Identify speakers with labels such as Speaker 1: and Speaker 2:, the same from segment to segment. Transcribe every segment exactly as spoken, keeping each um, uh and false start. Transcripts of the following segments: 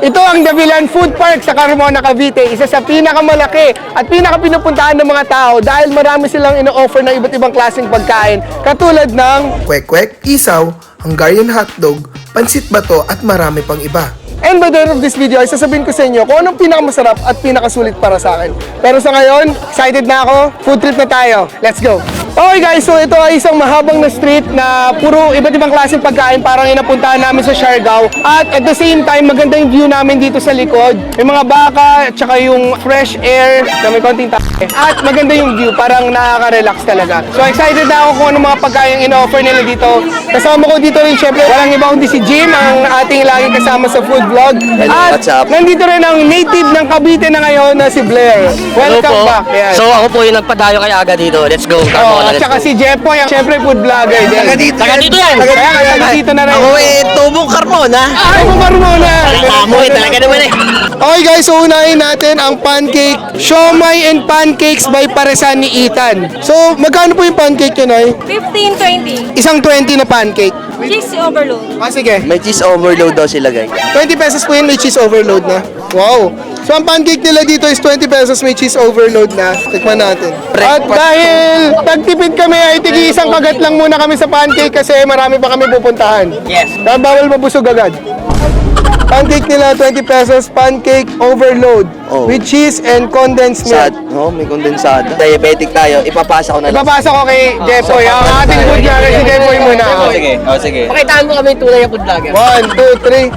Speaker 1: Ito ang Davilan Food Park sa Carmona, Cavite. Isa sa pinakamalaki at pinakapinupuntahan ng mga tao dahil marami silang ino-offer ng iba't ibang klaseng pagkain katulad ng
Speaker 2: kwek-kwek, isaw, Hungarian hotdog, pansit bato at marami pang iba.
Speaker 1: And by the end of this video ay sasabihin ko sa inyo kung anong pinakamasarap at pinakasulit para sa akin. Pero sa ngayon, excited na ako. Food trip na tayo. Let's go! Okay guys, so ito ay isang mahabang na street na puro iba't ibang klaseng pagkain parang inapuntahan namin sa Siargao. At at the same time, maganda yung view namin dito sa likod. May mga baka, at saka yung fresh air na may konting tae. At maganda yung view, parang nakaka-relax talaga. So excited na ako kung anong mga pagkain in-offer nila dito. Kasama ko dito rin syempre, walang iba kundi si Jim, ang ating laging kasama sa food vlog.
Speaker 3: Hello,
Speaker 1: At
Speaker 3: what's up?
Speaker 1: nandito rin ang native ng Cavite na ngayon na si Blair. Welcome back. Yan.
Speaker 3: So ako po yung nagpadayo kay Aga dito. Let's go.
Speaker 1: Oh,
Speaker 3: Carmona,
Speaker 1: at
Speaker 3: let's
Speaker 1: saka
Speaker 3: go.
Speaker 1: si Jeffoy, ang syempre food vlogger din.
Speaker 2: Taga dito.
Speaker 3: Taga dito yan.
Speaker 1: Kaya nga, taga dito na rin.
Speaker 3: Ako eh, tubong Carmona.
Speaker 1: Ay, kumaro muna.
Speaker 3: Tamo eh, talaga naman eh.
Speaker 1: Okay guys, so unahin natin ang pancake. Siomai and pancakes by Paresan ni Ethan. So, magkano po yung pancake yun, ay?
Speaker 4: fifteen twenty.
Speaker 1: Isang twenty na pancake.
Speaker 4: Cheese overload.
Speaker 1: Ah, sige.
Speaker 3: May cheese overload daw sila guys.
Speaker 1: twenty pesos po yun, may cheese overload na. Wow. So, ang pancake nila dito is twenty pesos, may cheese overload na. Tikman natin. At dahil tagtipid kami, ay tigi isang kagat lang muna kami sa pancake kasi marami pa kami pupuntahan.
Speaker 3: Yes.
Speaker 1: Kaya bawal mabusog agad. Pancake nila, twenty pesos, pancake overload.
Speaker 3: Oh.
Speaker 1: With cheese and condensed
Speaker 3: Sad.
Speaker 1: milk.
Speaker 3: No, may kondensado. Diabetic tayo. Ipapasa ko na lang.
Speaker 1: Ipapasa ko kay Jeffoy. Ang ating food vlogger, si Jeffoy muna.
Speaker 3: Oh, sige. Oh, sige. Pakitaan mo kami yung tunay na food vlogger.
Speaker 1: One, two, three.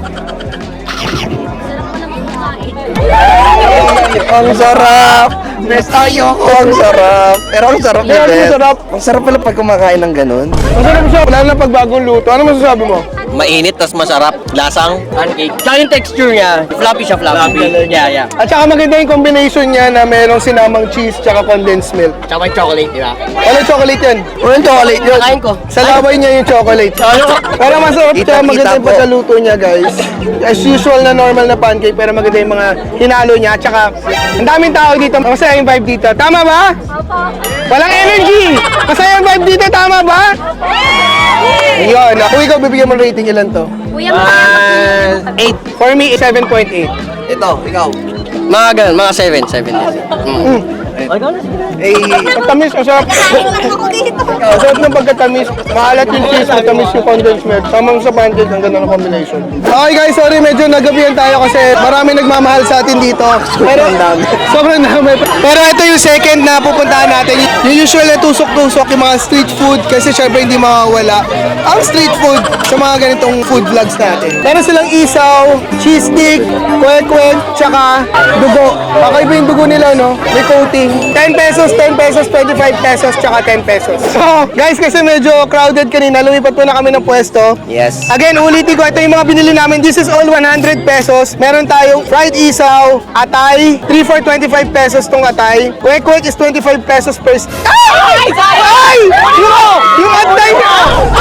Speaker 3: Ang sarap! Best tayo ko! Ang sarap! Pero ang sarap
Speaker 1: Pero ang
Speaker 3: Beth.
Speaker 1: sarap.
Speaker 3: Ang sarap pala pag kumakain ng ganun.
Speaker 1: Masarap siya. Wala na pagbagong luto. Ano masasabi mo?
Speaker 3: Mainit, tas masarap. Lasang pancake. Tsaka yung texture niya. Floppy siya, floppy. Yeah, yeah.
Speaker 1: At saka maganda yung combination niya na merong sinamang cheese tsaka condensed milk.
Speaker 3: Tsaka yung chocolate, di ba?
Speaker 1: Ano chocolate yan?
Speaker 3: Walang chocolate yun. Kain ko.
Speaker 1: Sa laway niya yung chocolate. Pero masarap siya.
Speaker 3: Kita-kita
Speaker 1: Maganda yung
Speaker 3: po.
Speaker 1: pagkaluto niya, guys. As usual na normal na pancake, pero maganda yung mga hinalo niya. At saka, ang daming tao dito. Masaya yung vibe dito. Tama ba? Walang energy! Masaya yung vibe dito. Tama ba? Yun. Kung ikaw bibigyan mo rating, ilan to?
Speaker 4: Kuya, masaya
Speaker 3: Uh, eight.
Speaker 1: For me, seven point eight.
Speaker 3: Ito, ikaw. Mga ganun, mga seven, seven. Mm.
Speaker 1: Eh, pagtamis, ang sarap. Ang sarap ng pagkatamis. Maalat yung cheese, matamis yung condensed milk. Samang sa pancake, ang ganda ng combination. Okay guys, sorry, medyo nagabihan tayo kasi marami nagmamahal sa atin dito. Pero, sobrang dami. Pero ito yung second na pupuntahan natin. Yung usual na tusok-tusok, yung mga street food, kasi syempre hindi mawawala ang street food sa mga ganitong food vlogs natin. Meron silang isaw, cheese stick, kwek-kwek, tsaka dugo. Kakaiba yung dugo nila, no? May coating. ten pesos, ten pesos, twenty-five pesos, tsaka ten pesos. So, guys, kasi medyo crowded kanina, lumipat po na kami ng pwesto.
Speaker 3: Yes.
Speaker 1: Again, ulitin ko, ito yung mga binili namin. This is all one hundred pesos. Meron tayong fried isaw, atay, three for twenty-five pesos tong atay. Kwek-kwek is twenty-five pesos per stick. Ay! Ay! Yung, yung atay niya!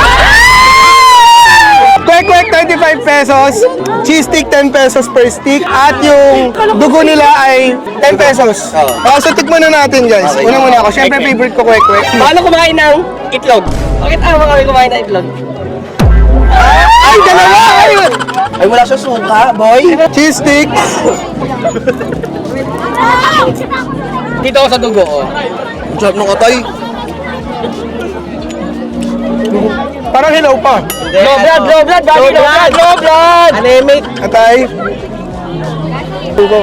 Speaker 1: Kwek-kwek, twenty-five pesos. Cheese stick, ten pesos per stick. At yung dugo nila ay ten pesos. Oh, so tikman na natin, guys.
Speaker 3: Okay.
Speaker 1: Una muna ako. Siyempre, favorite ko kwek-kwek.
Speaker 3: Paano kumain ng itlog? Bakit tama kami kumain ng itlog?
Speaker 1: Ay, dalawa! Ay!
Speaker 3: Ay, wala siya suka, boy.
Speaker 1: Cheese stick.
Speaker 3: Dito ako sa dugo, oh. Ang sarap ng atay.
Speaker 1: Parang hilaw pa.
Speaker 3: Low blood, low blood, low blood, low blood. Anemic.
Speaker 1: Atay. Dugo.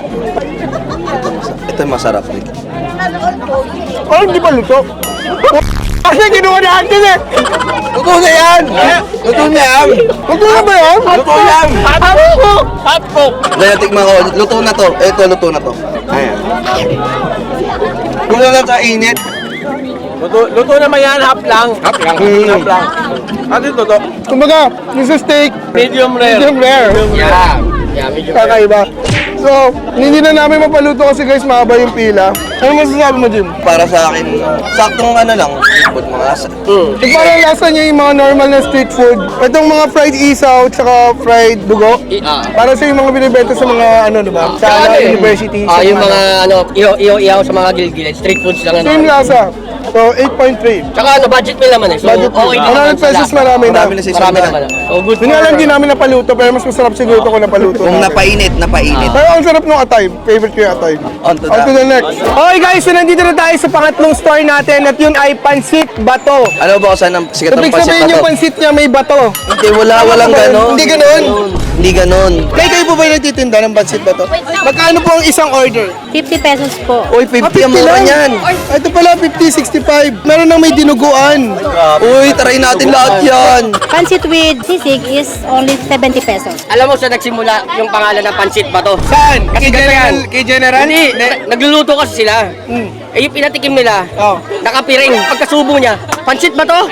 Speaker 3: Ito yung masarap dito.
Speaker 1: Parang hindi pa luto. Kasi ginawa ni Anton eh.
Speaker 3: Luto na yan! Luto na yan!
Speaker 1: Luto na ba yan?
Speaker 3: Luto yan! Hotpok! Hotpok! Kaya tikman ko, luto na to. Ito, luto na to. Ayan. Luto na sa init.
Speaker 5: Luto, luto naman yan, half lang. Half lang. Half lang. Ano ito to?
Speaker 1: Kumbaga, yung sa steak,
Speaker 5: Medium rare.
Speaker 1: medium rare.
Speaker 5: Yeah. Yeah, medium rare.
Speaker 1: Kakaiba. So, hindi na namin mapaluto kasi guys, mahaba yung pila. Ano masasabi mo, Jim?
Speaker 3: Para sa akin, saktong ano lang, food mga asa.
Speaker 1: Yung parang lasa niya yung mga normal na street food. Itong mga fried isaw, tsaka fried dugo.
Speaker 3: Ah.
Speaker 1: Para sa yung mga binibenta sa mga ano, diba? Sa ano, university.
Speaker 3: Ah,
Speaker 1: sa
Speaker 3: yung mga ano, iyo iyo iyaw sa mga gilgilid, street foods lang ano.
Speaker 1: Same lasa. So, eight point three.
Speaker 5: Tsaka ano, budget meal naman eh. So,
Speaker 1: Budget
Speaker 5: okay
Speaker 1: one
Speaker 5: naman
Speaker 1: hundred pesos marami na.
Speaker 3: Marami na si
Speaker 5: Marami
Speaker 3: Sundan.
Speaker 5: naman. So, good
Speaker 1: Hindi alam din namin napaluto, pero mas masarap siguro ito kung napaluto.
Speaker 3: Kung
Speaker 1: natin.
Speaker 3: napainit, napainit.
Speaker 1: Pero ang sarap ng atay. Favorite ko yung atay.
Speaker 3: On to
Speaker 1: On to
Speaker 3: the...
Speaker 1: the next. Okay guys, so nandito na tayo sa pangatlong store natin at yun ay Pansit Bato.
Speaker 3: Alam mo ba kung saan ang sikat ng
Speaker 1: Ibig
Speaker 3: pansit
Speaker 1: sabihin
Speaker 3: na
Speaker 1: yung
Speaker 3: to?
Speaker 1: pansit niya may bato.
Speaker 3: Hindi, wala, walang ganon.
Speaker 1: Hindi ganon.
Speaker 3: Hindi ganon.
Speaker 1: Kaya kayo po ba yung nagtitinda ng Pansit Bato? Magkano po ang isang order?
Speaker 4: fifty pesos po.
Speaker 3: Uy, fifty ang mura niyan.
Speaker 1: Ay, ito pala, fifty, sixty-five. Meron nang may dinuguan.
Speaker 3: Uy, try natin lahat yan.
Speaker 4: Pancit with sisig is only seventy pesos.
Speaker 5: Alam mo sa nagsimula yung pangalan ng Pansit Bato?
Speaker 1: Saan?
Speaker 5: Kasi
Speaker 1: Kay
Speaker 5: ganito
Speaker 1: General?
Speaker 5: yan.
Speaker 1: Kay General?
Speaker 5: Hindi, na- nagluluto kasi sila. Eh yung pinatikim nila,
Speaker 1: Oh.
Speaker 5: nakapiring. Pagkasubo niya, Pansit Bato?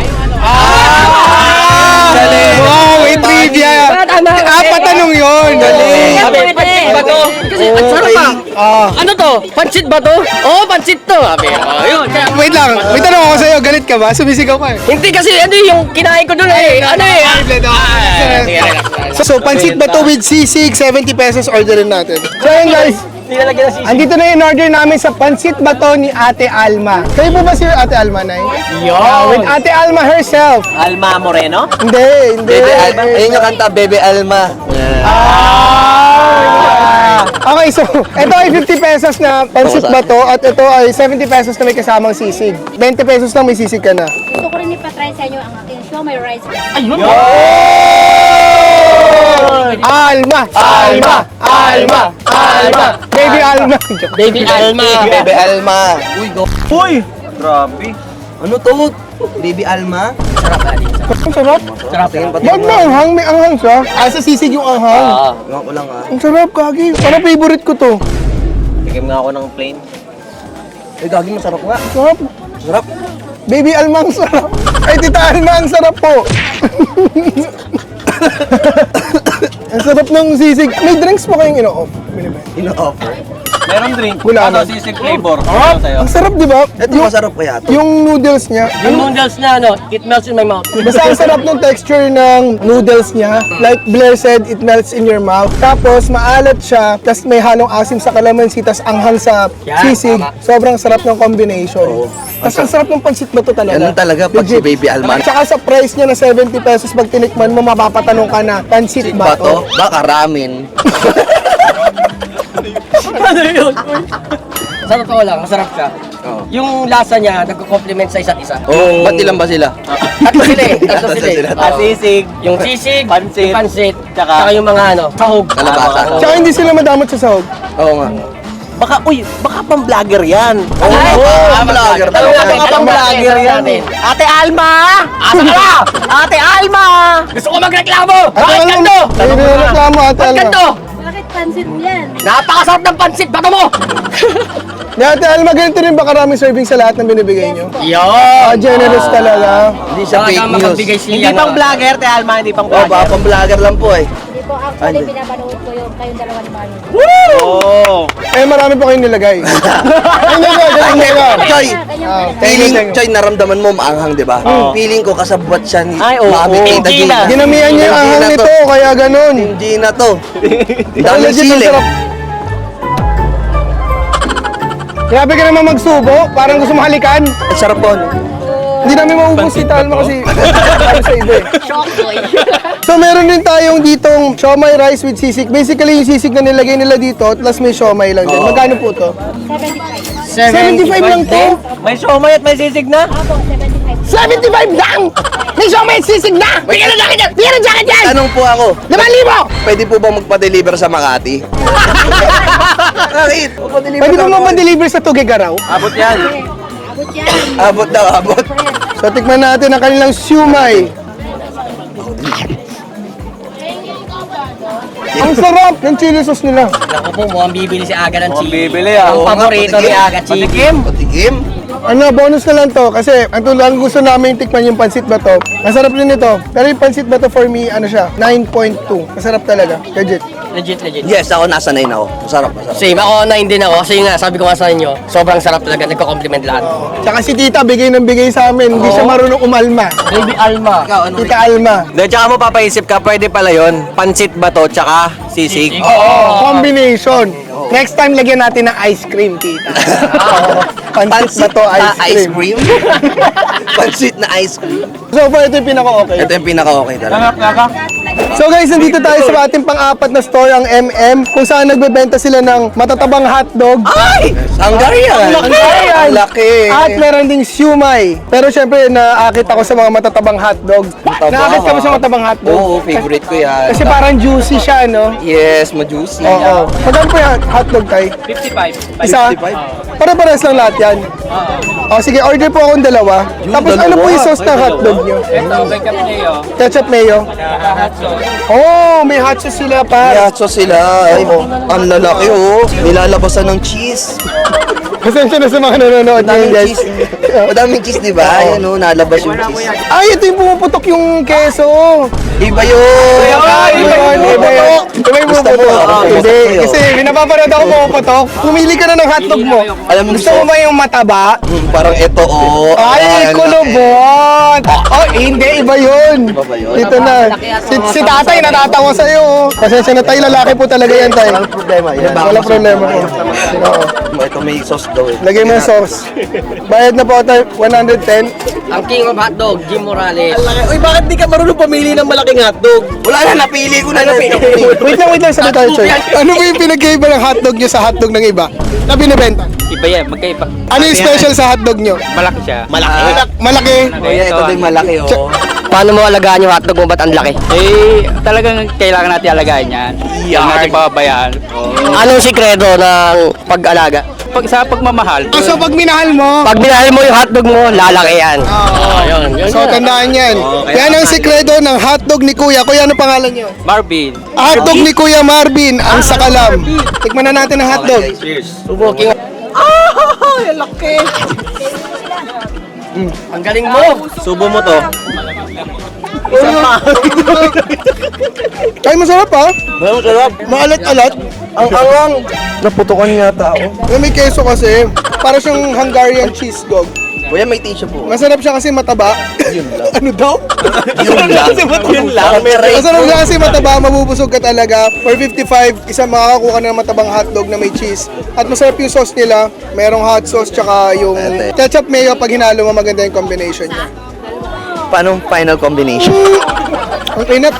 Speaker 1: Ah! Galing! Wow, may trivia!
Speaker 5: Ah, tama.
Speaker 1: Apat tanong yun! Galing!
Speaker 5: Sabi, Pansit Bato? Kasi ang sarap pa.
Speaker 1: Ah.
Speaker 5: Ano to? Pansit Bato? Oo, Pansit to. Sabi, oh, yun. Kaya-
Speaker 1: Wait lang, may tanong ako sa'yo, galit ka ba? Sumisigaw ka eh.
Speaker 5: Hindi kasi ano yung kinain ko doon eh. Ano eh. ah. Ah, sige, relax.
Speaker 1: So, so Pansit Bato with sisig, seventy pesos orderin natin. So yun guys,
Speaker 5: Nilalagyan ng sisig.
Speaker 1: andito na yung order namin sa Pansit Bato ni Ate Alma. Kayo po ba si Ate Alma, Nay? Ah, with Ate Alma herself.
Speaker 5: Alma Moreno?
Speaker 1: Hindi, hindi.
Speaker 3: Bebe Alma. Ayun yung kanta, Bebe Alma.
Speaker 1: Ah! Okay, so ito ay fifty pesos na Pansit Bato at ito ay seventy pesos na may kasamang sisig. twenty pesos lang may sisig ka na.
Speaker 6: Gusto ko rin ipatry sa inyo ang aking show my rice.
Speaker 1: Alma! Alma! Alma! Alma! Baby Alma!
Speaker 5: Baby Alma.
Speaker 3: Bebe Alma. Uy, go.
Speaker 1: Uy!
Speaker 3: Ano to? Baby Alma?
Speaker 1: Ang sarap!
Speaker 3: Tingin pati
Speaker 1: Ba't may anghang? May anghang siya? Ah, sa sisig yung anghang.
Speaker 5: Ah,
Speaker 3: Iwan ko lang ah.
Speaker 1: Ang sarap, kagi. Parang favorite ko to.
Speaker 5: tikim nga ako ng plain.
Speaker 3: Ay, gagi masarap nga.
Speaker 1: Ang sarap.
Speaker 3: Sarap.
Speaker 1: Baby Alma, ang sarap. Ay, Tita Alma, ang sarap po. Ang sarap ng sisig. May drinks po kayong ino-off. Binibay.
Speaker 3: Ino-offer.
Speaker 5: Meron drink.
Speaker 1: Wala na.
Speaker 5: Sisig flavor.
Speaker 1: Ang sarap, di ba?
Speaker 3: Ito masarap kaya to.
Speaker 1: Yung noodles niya.
Speaker 5: Yung noodles na ano, it melts in my mouth.
Speaker 1: Basta ang sarap ng texture ng noodles niya. Like Blair said, it melts in your mouth. Tapos maalat siya, tapos may halong asim sa kalamansi, tapos anghang sa
Speaker 5: Yan,
Speaker 1: sisig.
Speaker 5: tama.
Speaker 1: Sobrang sarap ng combination. Tapos ang sarap ng pansit Bato talaga.
Speaker 3: Ganun talaga pag si
Speaker 1: Legit.
Speaker 3: Baby Alma.
Speaker 1: Tsaka sa price niya na seventy pesos, pag tinikman mo, mapapatanong ka na, pansit
Speaker 3: Ba to?
Speaker 1: Bato.
Speaker 3: Baka ramen.
Speaker 5: Ano yun? Sa totoo lang, masarap siya.
Speaker 3: Oo.
Speaker 5: Yung lasa niya, nagko-complement sa isa't isa.
Speaker 3: Oh. Ba't ilan ba sila?
Speaker 5: Tatlo sila eh. Tatlo
Speaker 3: Tatlo
Speaker 5: sila eh.
Speaker 3: sila.
Speaker 5: Ah, sisig. Yung sisig, pansit, pansit, tsaka, yung mga ano, sahog.
Speaker 3: Kalabasa.
Speaker 1: Tsaka hindi sila madamot sa sahog.
Speaker 3: Oo nga.
Speaker 7: Baka, uy, baka pang vlogger yan.
Speaker 3: Oo,
Speaker 5: Ay,
Speaker 3: oh, vlogger.
Speaker 5: Tanong natin,
Speaker 7: Baka
Speaker 5: tanong
Speaker 7: pang
Speaker 5: natin,
Speaker 7: vlogger
Speaker 5: tanong
Speaker 7: yan.
Speaker 5: natin.
Speaker 7: Ate Alma! Asa ka na? Ate Alma!
Speaker 5: Gusto ko magreklamo!
Speaker 1: Ate
Speaker 5: Bakit
Speaker 1: Alma,
Speaker 5: ganito?
Speaker 1: Ay, nireklamo, Ate
Speaker 5: Bakit
Speaker 1: Alma.
Speaker 5: ganito?
Speaker 6: Bakit pansit yan?
Speaker 5: Napakasarap ng pansit, bato mo!
Speaker 1: Di, Ate Alma, ganito rin ba karaming serving sa lahat ng binibigay niyo?
Speaker 5: Yo!
Speaker 1: Ah, generous talaga.
Speaker 3: Hindi siya fake news.
Speaker 5: makapagbigay siya.
Speaker 7: Hindi pang vlogger, Te Alma, hindi pang
Speaker 3: Oo, baka
Speaker 7: vlogger.
Speaker 3: pang vlogger lang po eh.
Speaker 6: Hindi po, actually, pinapanood ko yung kayong dalawa ni Mario.
Speaker 7: Oo.
Speaker 1: Eh, marami pa kayong nilagay. Ay, nilagay, ganun nilagay.
Speaker 3: Choy,
Speaker 6: Kanyang
Speaker 3: feeling,
Speaker 1: thank you.
Speaker 3: Choy, naramdaman mo maanghang, di ba? Feeling ko kasabwat siya ni
Speaker 7: Ay, oo.
Speaker 3: Mami Tita
Speaker 7: Hindi
Speaker 3: Gina.
Speaker 7: na.
Speaker 1: Ginamihan niyo yung
Speaker 3: Hindi
Speaker 1: ahang
Speaker 3: na
Speaker 1: nito,
Speaker 3: to.
Speaker 1: kaya ganun.
Speaker 3: Hindi na to. Dami
Speaker 1: Legit, ang
Speaker 3: sili.
Speaker 1: sarap. Grabe ka naman magsubo, parang gusto mo halikan.
Speaker 3: Ang sarap po. no?
Speaker 1: Hindi namin maubos si Talma kasi para sa iba eh. So meron din tayong ditong siomay rice with sisig. Basically yung sisig na nilagay nila dito, plus may siomay lang din. Magkano po to?
Speaker 6: seventy-five.
Speaker 1: seventy-five lang to?
Speaker 7: May siomay at may sisig na?
Speaker 6: Opo, seventy-five.
Speaker 1: seventy-five lang! May siomay at sisig na! Bigyan ng jacket yan! Bigyan ng jacket yan!
Speaker 3: Tanong po ako,
Speaker 1: Limang libo!
Speaker 3: pwede po ba magpa-deliver sa Makati? Bakit?
Speaker 1: Pwede mo mapadeliver sa Tugigaraw?
Speaker 7: Abot yan.
Speaker 6: Abot yan.
Speaker 3: Abot daw, abot.
Speaker 1: So tikman natin ang kanilang siomay. Ang sarap ng chili sauce nila.
Speaker 5: Ako po, mukhang bibili si Aga ng chili.
Speaker 7: bibili ah.
Speaker 5: Ang
Speaker 3: Oo nga,
Speaker 5: paborito ni
Speaker 3: patikim.
Speaker 5: Aga, chili.
Speaker 3: Patikim?
Speaker 1: Ano, bonus na lang to kasi ang tulang gusto namin tikman yung pansit bato. Masarap din ito. Pero yung pansit bato for me, ano siya, nine point two. Masarap talaga. Legit.
Speaker 5: Legit, legit.
Speaker 3: Yes, ako nasa nine ako. Masarap, masarap.
Speaker 5: Same, ako nine din ako. Kasi nga, sabi ko nga sa inyo, sobrang sarap talaga. Nagko-compliment lahat.
Speaker 1: Tsaka si tita, bigay ng bigay sa amin. Hindi siya marunong umalma.
Speaker 5: Baby Alma.
Speaker 3: Ikaw, ano?
Speaker 1: Tita Alma.
Speaker 7: Dahil tsaka mo papaisip ka, pwede pala yon pansit ba to, tsaka sisig?
Speaker 1: Oo, combination. Next time, lagyan natin ng ice cream, tita. Oo. Pansit ba to
Speaker 3: na
Speaker 1: ice cream?
Speaker 3: Pansit na ice cream.
Speaker 1: So far, ito yung pinaka-okay.
Speaker 3: Ito yung pinaka-okay talaga.
Speaker 1: So guys, nandito tayo sa ating pang-apat na store, ang M M, kung saan nagbebenta sila ng matatabang hotdog.
Speaker 3: Ay! Hungarian!
Speaker 1: Ang laki!
Speaker 3: Ang laki!
Speaker 1: At meron ding siumay. Pero syempre, naakit ako sa mga matatabang hotdog.
Speaker 3: Mataba,
Speaker 1: Naakit ka ba
Speaker 3: ha?
Speaker 1: sa matabang hotdog?
Speaker 3: Oo, favorite ko yan.
Speaker 1: Kasi parang juicy siya, no?
Speaker 3: Yes, ma-juicy.
Speaker 1: Oo. Magkano po yung hotdog tayo?
Speaker 5: fifty-five.
Speaker 1: Isa?
Speaker 3: fifty-five.
Speaker 1: Para-pares lang lahat yan. O sige, order po akong dalawa. Tapos ano po yung sauce ng hotdog nyo?
Speaker 5: Ito, may kapilyo.
Speaker 1: Ketchup mayo?
Speaker 5: Hot sauce.
Speaker 1: Oh, may hot sauce sila pa.
Speaker 3: Yatso sila. Ay, ang lalaki oh. Nilalabasan ng cheese.
Speaker 1: Pasensya na sa mga nanonood ngayon,
Speaker 3: Madaming
Speaker 1: guys.
Speaker 3: cheese. Madaming cheese, di ba? Ayan oh, nalabas yung cheese.
Speaker 1: Ay, ito yung pumuputok yung keso.
Speaker 3: Iba yun!
Speaker 1: Ay, iba yun, iba yun. Iba yung
Speaker 3: Gusto mo?
Speaker 1: pumuputok.
Speaker 3: Ah, gusto
Speaker 1: Hindi,
Speaker 3: ko yun.
Speaker 1: kasi pinapapanood ako pumuputok. Pumili ka na ng hotdog mo.
Speaker 3: Alam mo,
Speaker 1: Gusto mo ba yung mataba?
Speaker 3: Hmm, parang ito oh.
Speaker 1: Ay,
Speaker 3: Ayan,
Speaker 1: kulubot! Oh, hindi, iba yun.
Speaker 3: Iba ba yun?
Speaker 1: Dito na. Si, si tatay natatawa sa'yo. Pasensya na tayo, lalaki po talaga yan tayo.
Speaker 3: Walang problema yan.
Speaker 1: Wala problema po. Oo.
Speaker 3: Ito may sauce daw eh.
Speaker 1: Lagay mo yung sauce. Bayad na po tayo, one hundred ten.
Speaker 7: Ang king of hotdog, Jim Morales. Uy, bakit di ka marunong pamili ng malaking hotdog?
Speaker 3: Wala na, napili ko na. Napili.
Speaker 1: Wait lang, wait lang, sabi tayo, Choy. Ano ba yung pinagkaiba ng hotdog nyo sa hotdog ng iba? Na binibenta?
Speaker 5: Iba yan, magkaiba.
Speaker 1: Ano yung special sa hotdog nyo?
Speaker 5: Malaki siya.
Speaker 7: Malaki.
Speaker 1: Malaki.
Speaker 3: Oh, yeah, ito din malaki oh.
Speaker 7: Paano mo alagaan yung hotdog mo? Ba't ang laki?
Speaker 5: Eh, talagang kailangan natin alagayin yan. Huwag natin pababayaan.
Speaker 7: Anong sikreto ng pag-alaga?
Speaker 5: Pag sa pagmamahal,
Speaker 1: Ah, so pag minahal mo,
Speaker 7: Pag binahal mo yung hotdog mo, lalaki yan. Oh, yun, yun.
Speaker 1: so tandaan yan. Yan ang sikreto ng hotdog ni Kuya. Kuya, ano pangalan nyo?
Speaker 5: Marvin.
Speaker 1: Hotdog ni Kuya Marvin, ang sakalam. Tikman na natin ang hotdog.
Speaker 7: Subukin. Ah, laki. Ang galing mo. Subo mo to.
Speaker 1: Ay, masarap ha?
Speaker 3: Masarap.
Speaker 1: Maalat-alat. Ang angang.
Speaker 3: Naputukan yata ako.
Speaker 1: Eh, may keso kasi. Para siyang Hungarian cheese dog.
Speaker 3: Kuya, may tissue po.
Speaker 1: Masarap siya kasi mataba. ano daw?
Speaker 3: Yun lang. Yun lang. May
Speaker 1: Masarap siya kasi mataba, mabubusog ka talaga. For fifty-five, isa makakakuha ka ng matabang hotdog na may cheese. At masarap yung sauce nila. Merong hot sauce tsaka yung ketchup mayo. Pag hinalo mo, maganda yung combination niya.
Speaker 3: Paano final combination?
Speaker 1: Ang inat.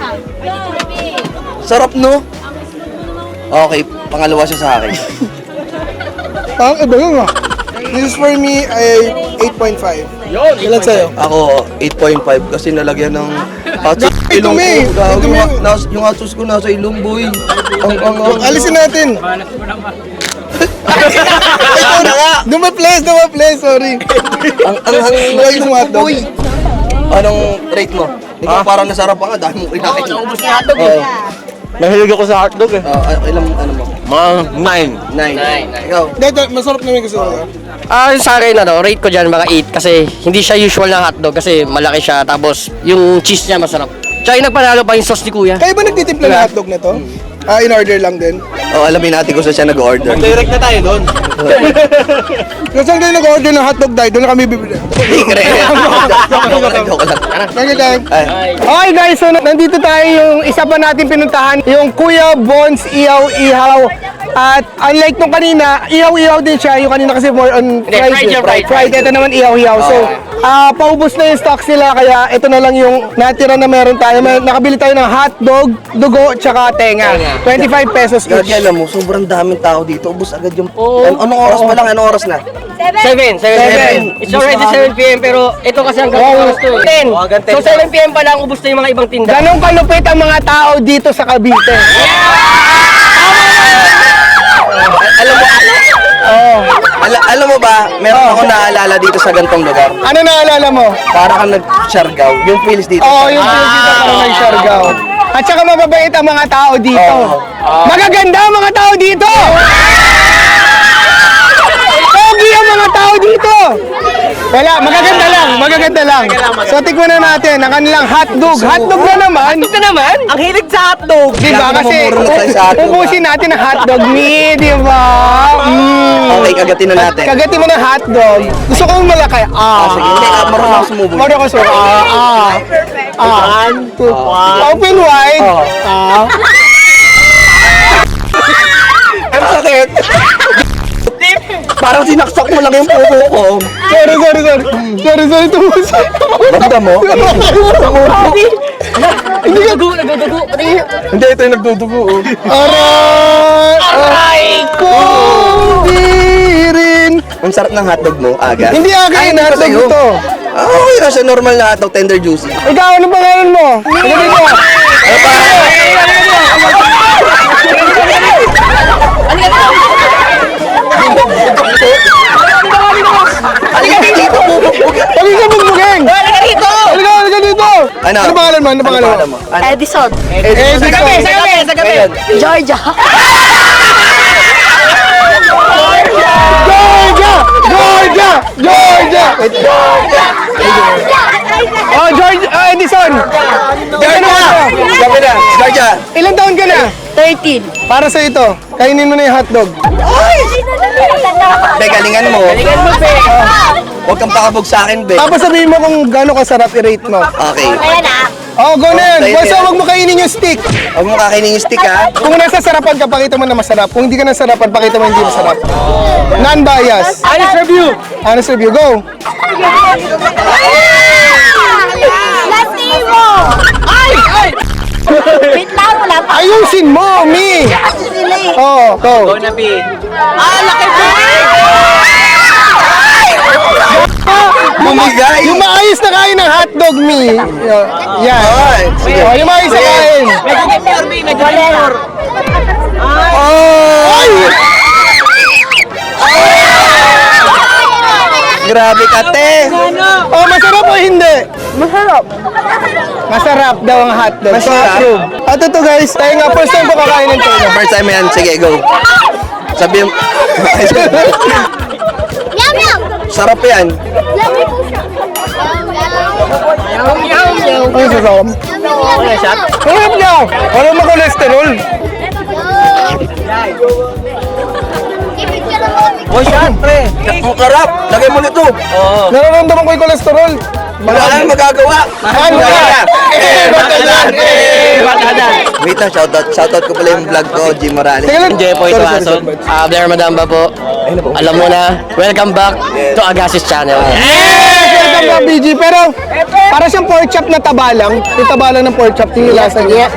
Speaker 3: Sarap no? Okay, pangalawa siya sa akin.
Speaker 1: Parang iba yun ah. This is for me ay eight point five. Ilan sa'yo?
Speaker 3: Ako, eight point five kasi nalagyan ng hot sauce.
Speaker 1: Ito,
Speaker 3: Ilong
Speaker 1: may.
Speaker 3: ko. Gago,
Speaker 1: Ito, may.
Speaker 3: yung, nas- yung hot sauce ko nasa ilong, boy. Ang, ang, ang.
Speaker 1: Alisin natin.
Speaker 3: Ito na nga.
Speaker 1: Dumaples, dumaples, sorry.
Speaker 3: Ang, ang, ang,
Speaker 1: Huwag yung hotdog.
Speaker 3: boy. Anong rate mo? Ikaw parang nasarap pa nga, dahil mo kinakin. Oo, naubos yung hotdog eh.
Speaker 5: Mahilig ako sa hotdog eh.
Speaker 3: ilang, ano mo?
Speaker 5: Mga nine.
Speaker 3: Nine. Ikaw?
Speaker 1: Dito, masarap naman gusto ko.
Speaker 7: Ah, sa akin, ano, rate ko dyan mga eight kasi hindi siya usual na hotdog kasi malaki siya tapos yung cheese niya masarap. Tsaka yung nagpanalo pa yung sauce ni Kuya.
Speaker 1: Kayo ba nagtitimpla ng hotdog na to? Ah, in order lang din.
Speaker 3: Oh, alamin natin kung saan siya nag-order.
Speaker 5: Direct na tayo doon.
Speaker 1: Kung saan kayo nag-order ng hotdog dahil doon na kami bibili.
Speaker 3: Hindi, kare. Joke lang, joke lang.
Speaker 1: Thank you, thank
Speaker 3: Ay.
Speaker 1: Okay guys, so nandito tayo yung isa pa natin pinuntahan, yung Kuya Bon's Ihaw Ihaw. At unlike nung kanina, ihaw-ihaw din siya. Yung kanina kasi more on fried.
Speaker 7: fried yung fried.
Speaker 1: fried. Ito naman ihaw-ihaw. So, ah paubos na yung stocks nila. Kaya ito na lang yung natira na meron tayo. May, nakabili tayo ng hotdog, dugo, tsaka tenga. twenty-five pesos
Speaker 3: Gagi,
Speaker 1: each.
Speaker 3: alam mo, sobrang daming tao dito. Ubus agad yung... An- anong oras pa lang? Anong oras na?
Speaker 7: seven, seven. It's already seven p m pero ito kasi ang
Speaker 1: Wow.
Speaker 7: oras to eh. ten. So seven p m pa lang ubos na yung mga ibang tinda.
Speaker 1: Ganong kalupit ang mga tao dito sa Cavite.
Speaker 3: Alam mo,
Speaker 1: Oh.
Speaker 3: ala, alam mo ba, meron ako naalala dito sa gantong lugar.
Speaker 1: Ano naalala mo?
Speaker 3: Para kang nag-Siargao. Yung feels dito.
Speaker 1: Oo, yung ah. dito para may Siargao. At saka mababait ang mga tao dito.
Speaker 3: Oo.
Speaker 1: Magaganda ang mga tao dito! Pogi ang mga tao dito! Wala, magaganda lang, magaganda lang. So tikman na natin ang kanilang hotdog. Hotdog na naman.
Speaker 7: Ito naman, ang hilig sa hotdog.
Speaker 1: Di ba?
Speaker 3: Grabe,
Speaker 1: Kasi
Speaker 3: namumuro na tayo sa hotdog,
Speaker 1: ubusin natin ang hotdog ni, di ba? Mm.
Speaker 3: Okay, kagatin na natin.
Speaker 1: Kagatin mo ng hotdog. Gusto kong malaki. Ah,
Speaker 3: Ah, sige, hindi, ah, marunong ako sumubok.
Speaker 1: Marunong ako sumubok. Ah, ah. Ah. One, two, Open wide. Ah.
Speaker 3: Ang sakit Parang sinaksak mo lang yung pupo ko.
Speaker 1: Sorry, sorry, sorry. Sorry, sorry, tumusok.
Speaker 3: Banda mo?
Speaker 1: Hindi ka...
Speaker 7: Nagdugo, nagdugo.
Speaker 3: Hindi, ito yung nagdudugo. oh.
Speaker 1: Aray! Aray ko! Hindi rin.
Speaker 3: Ang sarap ng hotdog mo, aga.
Speaker 1: Hindi agay,
Speaker 3: hindi pa
Speaker 1: hotdog
Speaker 3: sa'yo.
Speaker 1: ito.
Speaker 3: Ah, okay kasi normal na hotdog, tender juicy.
Speaker 1: Ikaw, ano pangalan mo? Ano dito?
Speaker 3: Ano pa? Halika dito, bubugbog.
Speaker 1: Pagi ka bugbugin!
Speaker 7: Halika dito!
Speaker 1: Halika, halika dito!
Speaker 3: Ano?
Speaker 1: Ano pangalan mo? Ano pangalan mo?
Speaker 3: mo? Ano?
Speaker 4: Edison.
Speaker 1: Eh,
Speaker 7: Sa gabi, sa gabi, sa gabi.
Speaker 4: Georgia.
Speaker 1: Georgia! Georgia! Georgia! Oh, Georgia! Oh, Edison!
Speaker 3: Georgia! Sabi na, Georgia.
Speaker 1: Ilan taon ka na?
Speaker 4: thirteen.
Speaker 1: Para sa ito, kainin mo na yung hotdog.
Speaker 3: Be, galingan mo. Huwag kang pakabog sa akin, be.
Speaker 1: Tapos sabihin mo kung gaano kasarap i-rate mo.
Speaker 3: Okay.
Speaker 1: Oh, go na yan.
Speaker 3: Tayo
Speaker 1: Basta
Speaker 3: yan.
Speaker 1: huwag mo kainin yung stick.
Speaker 3: Huwag mo kakainin yung stick, ha?
Speaker 1: Kung nasa sarapan ka, pakita mo na masarap. Kung hindi ka nasa sarapan, pakita mo hindi masarap. Non-bias.
Speaker 5: Honest review.
Speaker 1: Honest review, go.
Speaker 6: Latimo! Ay! Ay! Wait lang, wala pa.
Speaker 1: Ayusin mo, Mi! Oh, go.
Speaker 5: na, P.
Speaker 3: Bumigay!
Speaker 1: Yung maayos na kain ng hotdog, Mi. Yan.
Speaker 3: Ay, sige.
Speaker 1: Oh, yung maayos na kain.
Speaker 5: Medyo picture, B. Medyo picture.
Speaker 1: Oh! Ay!
Speaker 3: Grabe ka, te!
Speaker 1: Oh, masarap o hindi? Masarap. Masarap daw ang hotdog.
Speaker 3: Masarap?
Speaker 1: So, approve. At ito guys, tayo nga first time ko kakain ng China.
Speaker 3: First time yan, sige, go. Sabi mo,
Speaker 6: Yum, yum!
Speaker 3: sarap yan.
Speaker 6: Yummy po siya. Yum, yum!
Speaker 1: Ano sa sarap? Sarap niya. Wala mo cholesterol.
Speaker 6: Ipicture mo.
Speaker 5: Oh, shot, pre.
Speaker 3: Ang karap! Lagay mo nito!
Speaker 1: Nararamdaman ko yung cholesterol.
Speaker 3: Wala ka nang magagawa!
Speaker 1: Ay, wala.
Speaker 3: Eh, batadan!
Speaker 5: Eh, batadan.
Speaker 3: Wait lang, shoutout. Shoutout ko pala yung vlog ko, Jim Morales.
Speaker 1: Teka lang.
Speaker 7: Enjoy po ito,
Speaker 1: Sorry, sorry,
Speaker 7: Ason.
Speaker 1: sorry.
Speaker 7: Ah, Blair Madamba po. Alam mo na, welcome back to Agassiz Channel.
Speaker 1: Yes! Welcome back, B G. Pero, para siyang pork chop na taba lang. Yung taba lang ng pork chop, yung lasa niya.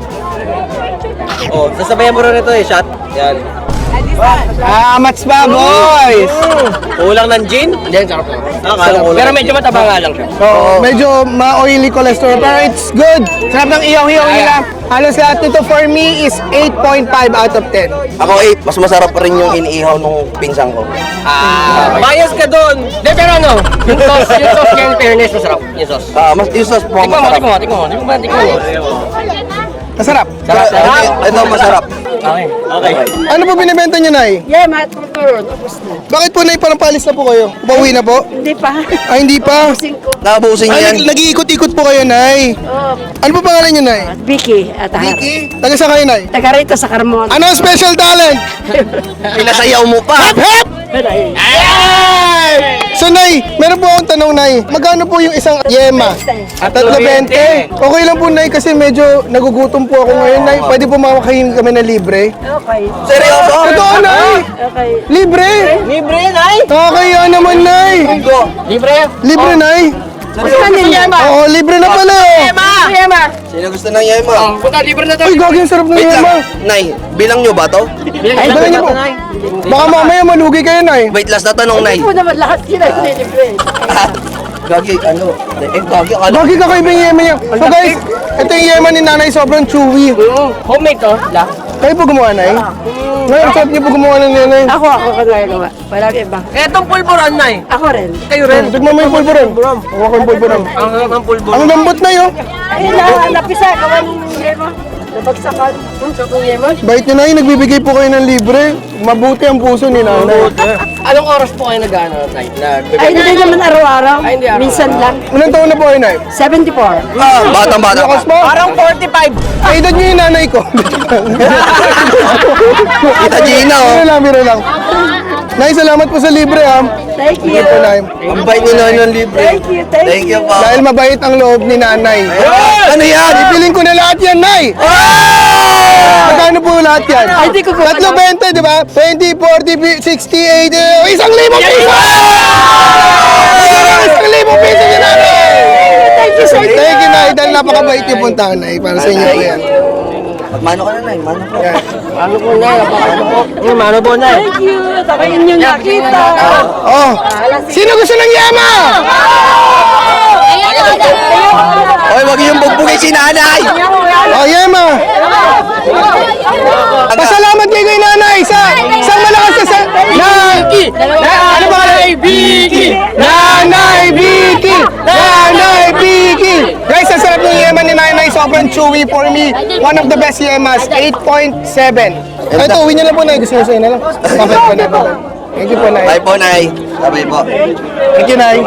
Speaker 5: Oh, sasabayan mo rin ito eh, shot. Yan.
Speaker 1: Ah, match ba, boys?
Speaker 5: Kulang ng gin?
Speaker 7: Hindi, sarap lang.
Speaker 5: Ah, kala ko
Speaker 7: Pero medyo mataba nga lang siya.
Speaker 1: Oo, medyo ma-oily cholesterol, pero it's good. Sarap ng iyaw-iyaw nila. Halos lahat nito for me is eight point five out of ten.
Speaker 3: Ako eight, mas masarap pa rin yung iniihaw nung pinsang ko.
Speaker 5: Bias ka doon.
Speaker 7: Hindi, pero ano, yung sauce, yung sauce niya, in fairness, masarap. Yung sauce.
Speaker 3: Ah, mas yung sauce po
Speaker 7: Tikman mo,
Speaker 3: masarap.
Speaker 7: tikman mo, tikman mo, tikman mo, tikman mo.
Speaker 1: Masarap.
Speaker 3: Sarap, sarap. Ito masarap.
Speaker 7: Okay.
Speaker 5: Okay.
Speaker 1: Ano po binibenta niyo, Nay?
Speaker 4: Yeah, matuturo. Tapos na.
Speaker 1: Bakit po, Nay, parang palis na po kayo? Pauwi na po?
Speaker 4: Hindi pa.
Speaker 1: Ay, hindi pa.
Speaker 3: Nakabusin niyo yan.
Speaker 1: Ay, nag-iikot-ikot po kayo, Nay.
Speaker 4: Oh,
Speaker 1: Ano po pangalan niyo, Nay?
Speaker 4: Vicky at Ahar.
Speaker 1: Vicky? Taga sa kayo, Nay?
Speaker 4: Taga rito sa Carmona.
Speaker 1: Ano ang special talent?
Speaker 3: Pinasayaw mo pa.
Speaker 1: Hep! So, Nay, meron po akong tanong, Nay. Magkano po yung isang yema? Tatlo bente. Okay lang po, Nay, kasi medyo nagugutom po ako ngayon, Nay. Pwede po makakain kami na libre?
Speaker 4: Okay.
Speaker 3: Seryoso?
Speaker 1: Totoo, Nay!
Speaker 4: Okay.
Speaker 1: Libre!
Speaker 5: Libre, Nay.
Speaker 1: Nakakaya naman, Nay!
Speaker 7: Libre.
Speaker 1: Libre, Nay! Oo, libre na pala, oh!
Speaker 3: Sino gusto ng yema?
Speaker 7: Punta, libre na to.
Speaker 1: Ay, gagi, ang sarap ng
Speaker 3: Wait
Speaker 1: yema!
Speaker 3: lang. Nay, bilang nyo ba to?
Speaker 1: Ay, dala niyo po. Baka mamaya malugi kayo, Nay.
Speaker 3: Wait, last na tanong, Nay.
Speaker 4: Hindi po naman lahat sila nilibre.
Speaker 3: Gagi, ano? Eh, gagi, ano?
Speaker 1: Gagi, kakaiba yung yema niya. So, guys, ito yung yema ni Nanay, sobrang chewy.
Speaker 7: Homemade to. La.
Speaker 1: Kayo po gumawa, Nay? Ngayon, sarap niyo po gumawa ng Nanay.
Speaker 4: Ako, ako kagagawa. Walang iba.
Speaker 5: Etong pulburan, Nay.
Speaker 4: Ako rin.
Speaker 5: Kayo rin.
Speaker 1: Tignan mo yung pulburon. Huwag ko yung pulburon.
Speaker 5: Ang ang pulburan.
Speaker 1: Ang lambot na yun.
Speaker 4: Ayun na, napisa. Kawan yung yema. Nabagsakan. Kung sa kong yema.
Speaker 1: Bait nyo, Nay, nagbibigay po kayo ng libre. Mabuti ang puso ni Nanay.
Speaker 7: Anong oras po kayo nag-ano, Nay?
Speaker 4: Ay, hindi naman araw-araw.
Speaker 7: Ay, hindi araw-araw.
Speaker 4: Minsan lang.
Speaker 1: Ilang taon na po kayo, Nay?
Speaker 4: seventy-four.
Speaker 3: Ah, batang-bata pa.
Speaker 1: Lakas mo.
Speaker 5: Parang forty-five.
Speaker 1: Ay, edad nyo yung nanay ko.
Speaker 3: Kita Gina, oh.
Speaker 1: Biro lang, biro lang. Nay, salamat po sa libre ha.
Speaker 4: Thank you.
Speaker 1: Sige po, Nay.
Speaker 3: Ang bait ni Nanay ng libre.
Speaker 4: Thank you, thank,
Speaker 3: Thank you po.
Speaker 1: Dahil mabait ang loob ni Nanay.
Speaker 3: Ano yan?
Speaker 1: Ipiling ko na lahat yan, Nay! Magkano po lahat yan?
Speaker 4: Ay, di ko po
Speaker 1: Tatlo
Speaker 4: alam.
Speaker 1: bente, di ba? twenty, forty, sixty, eighty, isang libong piso! Isang libong piso ni Nanay!
Speaker 4: Thank you, sir.
Speaker 1: Thank you, Nay. Dahil napakabait niyo po, Nanay. Para sa inyo po yan.
Speaker 3: Mano ka na, Nay. Mano po.
Speaker 5: Ano po na? Napakano po? Yung mano po na.
Speaker 4: Thank you. Takayin niyo nakita.
Speaker 1: Oh, sino gusto ng yama?
Speaker 3: Oy, wag yung bugbugin si Nanay.
Speaker 1: Oh, yama! Pasalamat kayo kay Nanay sa isang malakas na sa... Nanay! Ano ba? Nanay Vicky! Nanay Vicky! Nanay Vicky! Guys, ang sarap ng yema ni Nanay. Sobrang chewy for me. One of the best yemas. eight point seven. Ito, uwi niyo lang po, Nay. Gusto niyo sa'yo na lang. Babay po, Nay. Babay. Thank you po, Nay.
Speaker 3: Bye po, Nay. Bye po.
Speaker 1: Thank you, Nay.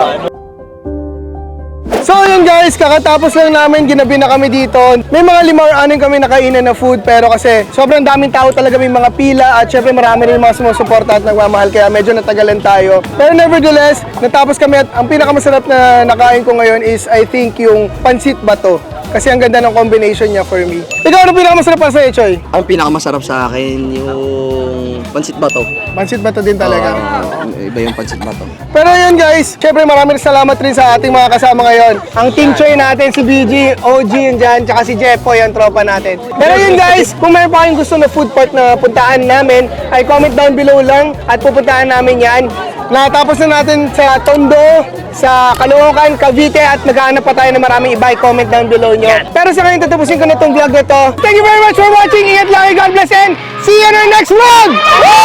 Speaker 1: So yun guys, kakatapos lang namin, ginabi na kami dito. May mga lima or anim kami nakainan na food, pero kasi sobrang daming tao talaga, may mga pila at syempre marami rin mga sumusuporta at nagmamahal, kaya medyo natagalan tayo. Pero nevertheless, natapos kami at ang pinakamasarap na nakain ko ngayon is I think yung pansit bato. Kasi ang ganda ng combination niya for me. Ikaw, ano pinakamasarap pa sa'yo, Choy?
Speaker 3: Ang pinakamasarap sa akin yung pansit bato.
Speaker 1: Pansit bato din talaga.
Speaker 3: Ah, iba yung pansit bato.
Speaker 1: Pero yun guys, syempre maraming salamat rin sa ating mga kasama ngayon. Ang Team Choy natin, si B G, O G yun dyan, tsaka si Jeffoy, yung tropa natin. Pero yun guys, kung mayroon pa kayong gusto na food part na puntaan namin, ay comment down below lang at pupuntaan namin yan. Natapos na natin sa Tondo, sa Caloocan, Cavite at maghahanap pa tayo na maraming iba. I-comment down below nyo. Pero sa ngayon, tatapusin ko na itong vlog na to. Thank you very much for watching. Ingat lang, God bless and see you in our next vlog!